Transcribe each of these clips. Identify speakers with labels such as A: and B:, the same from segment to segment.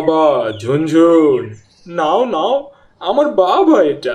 A: বাবা, ঝুনঝুন, নাও নাও, আমার বাবা এটা।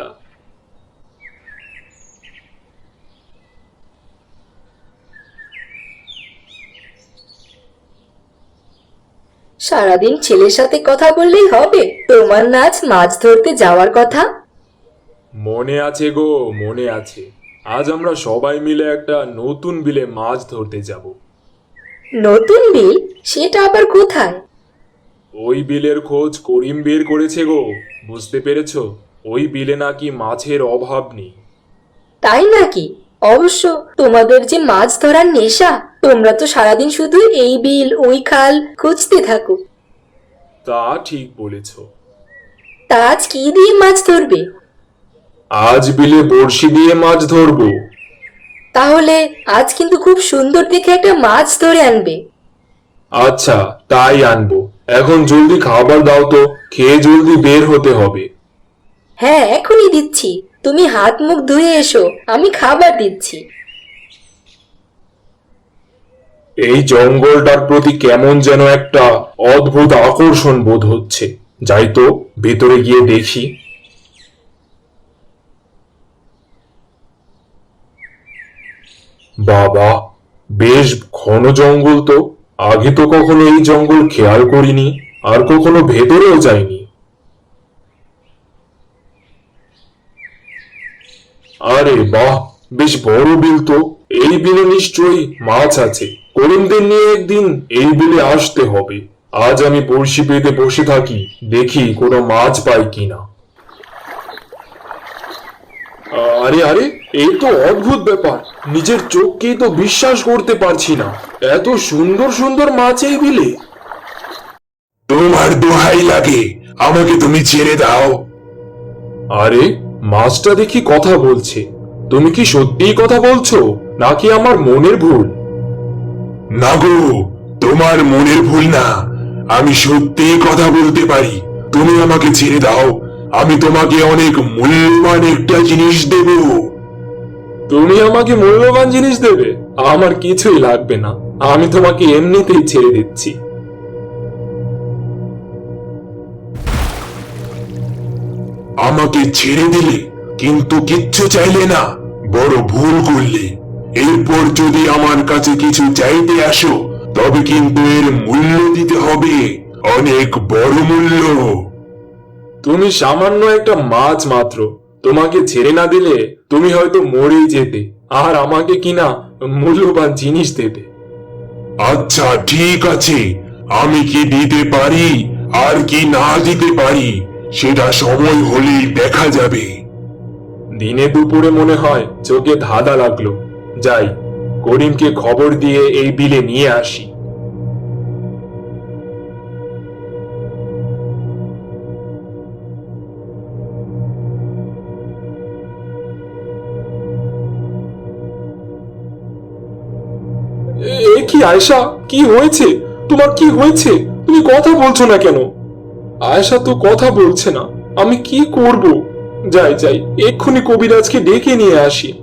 B: সারাদিন ছেলের সাথে কথা বললেই হবে? তোমার না আজ মাছ ধরতে যাওয়ার কথা?
A: মনে আছে গো, মনে আছে। আজ আমরা সবাই মিলে একটা নতুন বিলে মাছ ধরতে যাব।
B: নতুন বিল? সেটা আবার কোথায়?
A: ওই বিলের খোঁজ করিম বের করেছে গো। বুঝতে পেরেছো? ওই বিলে নাকি মাছের অভাব নেই।
B: তাই নাকি? অবশ্য তোমাদের যে মাছ ধরার নেশা, তোমরা তো সারাদিন শুধু এই বিল ওই খাল খুঁজতে থাকো।
A: তা ঠিক বলেছো।
B: তা আজ কি দিয়ে মাছ ধরবে?
A: আজ বিলে বড়শি দিয়ে মাছ ধরবো।
B: তাহলে আজ কিন্তু খুব সুন্দর দেখে একটা মাছ ধরে আনবে।
A: আচ্ছা, তাই আনবো। এখন জলদি খাবার দাও তো, খেয়ে জলদি বের হতে হবে।
B: হ্যাঁ, এখনই দিচ্ছি। তুমি হাত মুখ ধুয়ে এসো, আমি খাবার দিচ্ছি।
A: এই জঙ্গলটার প্রতি কেমন যেন একটা অদ্ভুত আকর্ষণ বোধ হচ্ছে। যাই তো, ভেতরে গিয়ে দেখি। বাবা, বেশ ঘন জঙ্গল তো। আগে তো কখনো এই জঙ্গল খেয়াল করিনি, আর কখনো ভেতরেও যাইনি। আরে বাহ, বেশ বড় বিল তো। এই বিলে নিশ্চয়ই মাছ আছে। করিমদের নিয়ে একদিন এই বিলে আসতে হবে। আজ আমি বড়শি পেতে বসে থাকি, দেখি কোনো মাছ পাই কিনা। আরে আরে, এই তো অদ্ভুত ব্যাপার। নিজের চোখকেই তো বিশ্বাস করতে পারছি না। এত সুন্দর সুন্দর মাছ এই বিলে।
C: তোমার দোহাই লাগে, আমাকে তুমি ছেড়ে দাও।
A: আরে, মাছটা দেখি কথা বলছে। তুমি কি সত্যিই কথা বলছো, নাকি আমার মনের ভুল?
C: না গো, তোমার মনের ভুল না, আমি সত্যি কথা বলতে পারি। তুমি আমাকে ছেড়ে দাও, আমি তোমাকে অনেক মূল্যবান একটা জিনিস দেব।
A: তুমি আমাকে মূল্যবান জিনিস দেবে? আমার কিছুই লাগবে না, আমি তোমাকে এমনিতেই ছেড়ে দিচ্ছি।
C: আমাকে ছেড়ে দিলে, কিন্তু কিচ্ছু চাইলে না। বড় ভুল করলে। এরপর যদি আমার কাছে কিছু চাইতে আসো, তবে কিন্তু এর মূল্য দিতে হবে, অনেক বড় মূল্য।
A: তুমি সামান্য একটা মাছ মাত্র। তোমাকে ছেড়ে না দিলে তুমি হয়তো মরেই যেতে, আর আমাকে কিনা মূল্যবান জিনিস দেবে।
C: আচ্ছা ঠিক আছে, আমি কি দিতে পারি আর কি না দিতে পারি সেটা সময় হলেই দেখা যাবে।
A: দিনে দুপুরে মনে হয় চোখে ধাঁধা লাগলো। যাই, করিমকে খবর দিয়ে এই বিলে নিয়ে আসি। এ কি আয়শা, কি হয়েছে? তোমার কি হয়েছে? তুমি কথা বলছো না কেন? আয়শা তো কথা বলছে না। আমি কি করব? যাই যাই, এক্ষুনি কবিরাজকে ডেকে নিয়ে আসি।